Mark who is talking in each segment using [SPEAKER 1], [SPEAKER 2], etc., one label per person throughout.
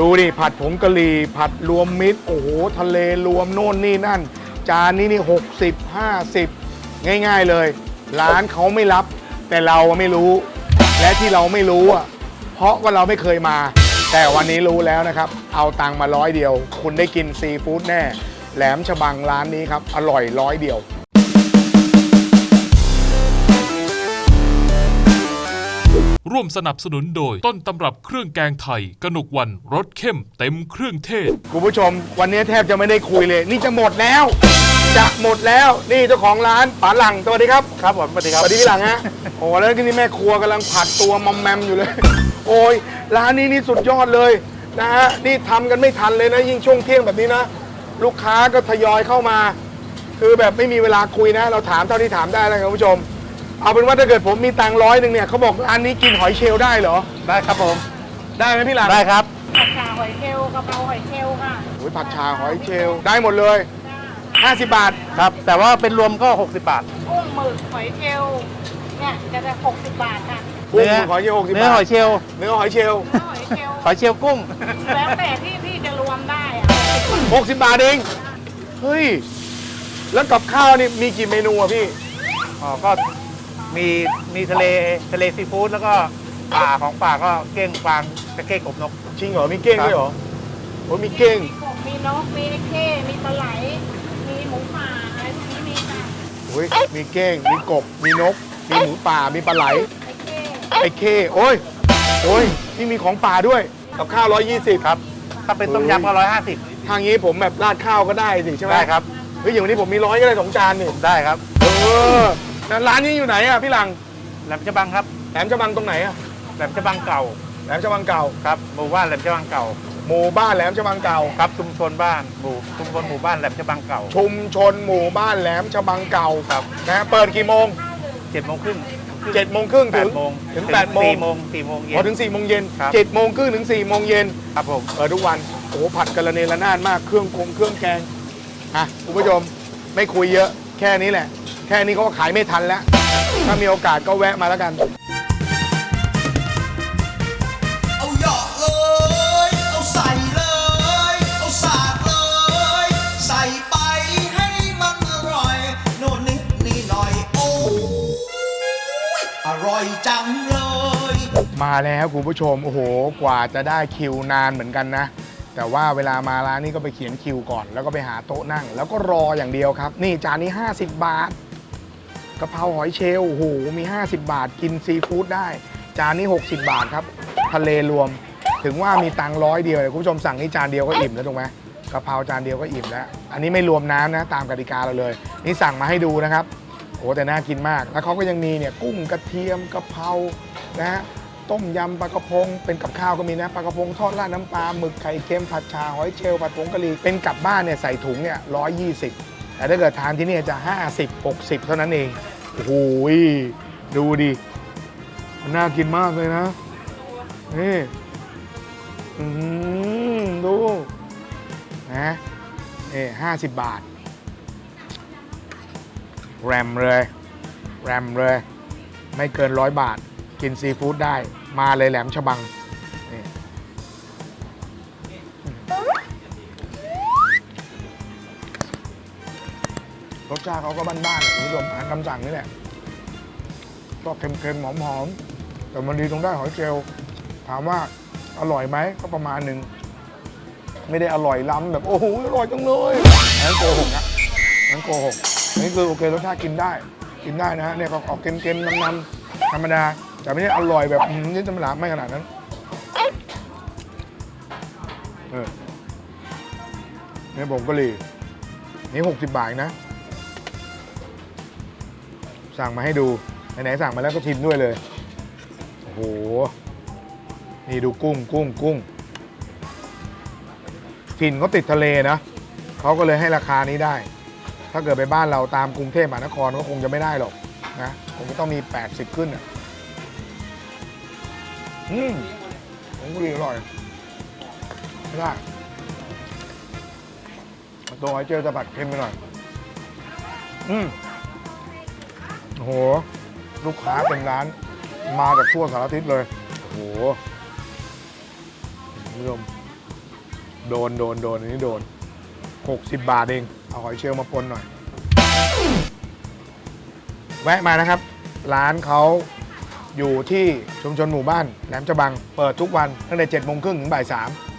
[SPEAKER 1] ดูดิผัดผงกะหรี่ผัดรวมมิตรโอ้โหทะเลรวมโน่นนี่นั่น จานนี้นี่60 50ง่ายๆเลยร้านเขาไม่รับแต่เราไม่รู้และที่เราไม่รู้อ่ะเพราะว่าเราไม่เคยมาแต่วันนี้รู้แล้วนะครับเอาตังค์มา100 เดียวคุณได้กินซีฟู้ดแน่แหลมฉบังร้านนี้ครับอร่อย100 เดียว
[SPEAKER 2] ร่วมสนับสนุนโดยต้นตำรับเครื่องแกงไทยกนกวันรสเข้มเต็มเครื่องเทศ
[SPEAKER 1] คุณผู้ชมวันนี้แทบจะไม่ได้คุยเลยนี่จะหมดแล้วนี่เจ้าของร้านป๋าหลังสวัสดีครับ
[SPEAKER 3] ครับผมสวัสดีครับ
[SPEAKER 1] สวัสดีพี่หลังฮะโอ้แล้วที่นี่แม่ครัวกำลังผัดตัวมอมแมมอยู่เลยโอ้ยร้านนี้นี่สุดยอดเลยนะฮะนี่ทำกันไม่ทันเลยนะยิ่งช่วงเที่ยงแบบนี้นะลูกค้าก็ทยอยเข้ามาคือแบบไม่มีเวลาคุยนะเราถามเท่าที่ถามได้แล้วคุณผู้ชมเอาเป็นว่าถ้าเกิดผมมีตังค์100เนี่ยเขาบอกร้านนี้กินหอยเชลล์ได้เหรอ
[SPEAKER 3] ได้ครับผม
[SPEAKER 1] ได้ไหมพี่หลัง
[SPEAKER 3] ได้ครับ
[SPEAKER 4] ผัดชาหอยเชลล์กะเพราหอยเชลล์ค่ะ
[SPEAKER 1] โอ้ยผัดชาหอยเชลล์ได้หมดเลย50 บาท
[SPEAKER 3] ครับแต่ว่าเป็นรวมก็60 บาท
[SPEAKER 4] กุ้งหมึกหอยเชลล์เนี่ยจะได้60 บาทค่ะ
[SPEAKER 1] กุ้งหอยเชลล์60 บาท
[SPEAKER 3] เนื้อหอยเชลล์
[SPEAKER 1] เนื้อหอยเชลล์
[SPEAKER 4] หอยเชลล์
[SPEAKER 3] หอยเชลล์กุ้ง
[SPEAKER 4] แล้วแต่ที่จะรวมได้อะ
[SPEAKER 1] 60 บาทเองเฮ้ยแล้วกับข้าวนี่มีกี่เมนูอะพี่
[SPEAKER 3] อ๋อก็มีทะเลซีฟู้ดแล้วก็ป่าของป่าก็เก้งฟางตะเก้งอบนก
[SPEAKER 1] จริงเหรอมีเก้งด้วยเหรอโอ้มีเก้ง
[SPEAKER 4] มีนกมีเข้มีปลาไหลมีหมูป่าอะไรพวกนี้มีค่ะ
[SPEAKER 1] โอ้ยมีเก้งมีกบมีนกมีหมูป่ามีปลาไหลไอ้เข้โอ้ยนี่มีของป่าด้วยกับข้าว120
[SPEAKER 3] ครับถ้าเป็นต้มยำก็150
[SPEAKER 1] ทางนี้ผมแบบราดข้าวก็ได้สิใช่ไหม
[SPEAKER 3] ได้ครับ
[SPEAKER 1] เฮ้ยอย่างวันนี้ผมมี100ก็ได้2 จานนี่
[SPEAKER 3] ได้ครับ
[SPEAKER 1] ร้านนี้อยู่ไหนอะพี่หลัง
[SPEAKER 3] แหลมฉบังครับ
[SPEAKER 1] แหลมฉบังตรงไหนอะ
[SPEAKER 3] แหลมฉบังเก่า
[SPEAKER 1] แหลมฉบังเก่า
[SPEAKER 3] ครับหมู่บ้านแหลมฉบังเก่า
[SPEAKER 1] หมู่บ้านแหลมฉบังเก่า
[SPEAKER 3] ครับชุมชนหมู่บ้านแหลมฉบังเก่า
[SPEAKER 1] ชุมชนหมู่บ้านแหลมฉบังเก่า
[SPEAKER 3] ครับ
[SPEAKER 1] นะเปิดกี่โมง
[SPEAKER 3] 7 โมงครึ่ง
[SPEAKER 1] 7 โมงครึ่งถึง8 โมง
[SPEAKER 3] 4 โมงเย็น
[SPEAKER 1] พอถึง4 โมงเย็น7 โมงครึ่งถึง4 โมงเย็น
[SPEAKER 3] ครับผม
[SPEAKER 1] เปิดทุกวันโอ้ผัดกระเนระนาดมากเครื่องแกงคุณผู้ชมไม่คุยเยอะแค่นี้แหละแค่นี้เขาก็ขายไม่ทันแล้วถ้ามีโอกาสก็แวะมาแล้วกัน
[SPEAKER 5] เอาหยอกเลยเอาใส่เลยเอาสาดเลยใส่ไปให้มันอร่อยโน่นนี่หน่อยโอ้อร่อยจังเลย
[SPEAKER 1] มาแล้วคุณผู้ชมโอ้โหกว่าจะได้คิวนานเหมือนกันนะแต่ว่าเวลามาร้านนี้ก็ไปเขียนคิวก่อนแล้วก็ไปหาโต๊ะนั่งแล้วก็รออย่างเดียวครับนี่จานนี้50 บาทกะเพราหอยเชลล์โอ้โหมี50 บาทกินซีฟู้ดได้จานนี้60 บาทครับทะเลรวมถึงว่ามีตังค์100 เดียวคุณผู้ชมสั่งนี่จานเดียวก็อิ่มแล้วถูกไหมกะเพราจานเดียวก็อิ่มแล้วอันนี้ไม่รวมน้ำนะตามกติกาเราเลยนี่สั่งมาให้ดูนะครับโอ้แต่น่ากินมากแล้วเขาก็ยังมีเนี่ยกุ้งกระเทียมกะเพรานะฮะต้มยำปลากระพงเป็นกับข้าวก็มีนะปลากระพงทอดราดน้ำปลาหมึกไข่เค็มผัดชาหอยเชลล์ผัดผงกะหรี่เป็นกลับบ้านเนี่ยใส่ถุงเนี่ย120แต่ถ้าเกิดทานที่นี่จะ50-60เท่านั้นเองโอ้โหดูดิมันน่ากินมากเลยนะนี่ดูนะ50 บาทแรมเลยไม่เกิน100 บาทกินซีฟู้ดได้มาเลยแหลมฉบังรสชาติเขาก็บ้านๆคุณผู้ชมอาหารคำสั่งนี่แหละก็เค็มๆหอมๆแต่มันดีตรงได้หอยเชลล์ถามว่าอร่อยไหมก็ประมาณหนึ่งไม่ได้อร่อยล้ำแบบโอ้โหอร่อยจังเลยนั่นโกหกนะนั่นโกหกนี่คือโอเครสชาติกินได้นะฮะเนี่ยก็ออกเค็มๆน้ำๆธรรมดาแต่ไม่ใช่อร่อยแบบนี่ธรรมดาไม่ขนาดนั้นเนี่ยผมก็เลยนี่60 บาทนะสั่งมาให้ดูไหนๆสั่งมาแล้วก็ชิมด้วยเลยโอ้โหนี่ดูกุ้งถิ่นเขาติดทะเลนะเขาก็เลยให้ราคานี้ได้ถ้าเกิดไปบ้านเราตามกรุงเทพมหานครก็คงจะไม่ได้หรอกนะคงจะต้องมี80ขึ้นอ่ะผมก็ดีอร่อยไม่ได้ตัวหอยเจลจะผัดเค็มไปหน่อยโอ้โหลูกค้าเต็มร้านมาจากทั่วสารทิศเลยโอ้โหคุณผู้ชมโดนอันนี้โดน60 บาทเองเอาหอยเชลล์มาปนหน่อยแวะมานะครับร้านเขาอยู่ที่ชุมชนหมู่บ้านแหลมฉบังเปิดทุกวันตั้งแต่7:30 นถึงบ่าย 3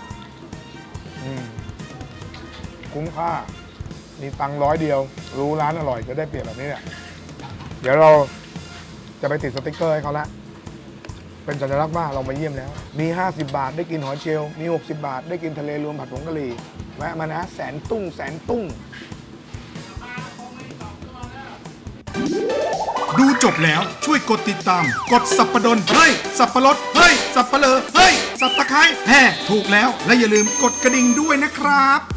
[SPEAKER 1] คุ้มค่ามีตังค์100 เดียวรู้ร้านอร่อยก็ได้เปรียบแบบนี้เนี่ยเดี๋ยวเราจะไปติดสติ๊กเกอร์ให้เขาละเป็นสัญลักษณ์ว่าเรามาเยี่ยมแล้วมี50 บาทได้กินหอยเชลล์มี60 บาทได้กินทะเลรวมผัดผงกะหรี่แวะมานะแสนตุ้ง
[SPEAKER 6] ดูจบแล้วช่วยกดติดตาม กดสับปะดนเฮ้ยสับปะรดเฮ้ยสับปะเลอเฮ้ยสับตะไคร้แห่ถูกแล้วและอย่าลืมกดกระดิ่งด้วยนะครับ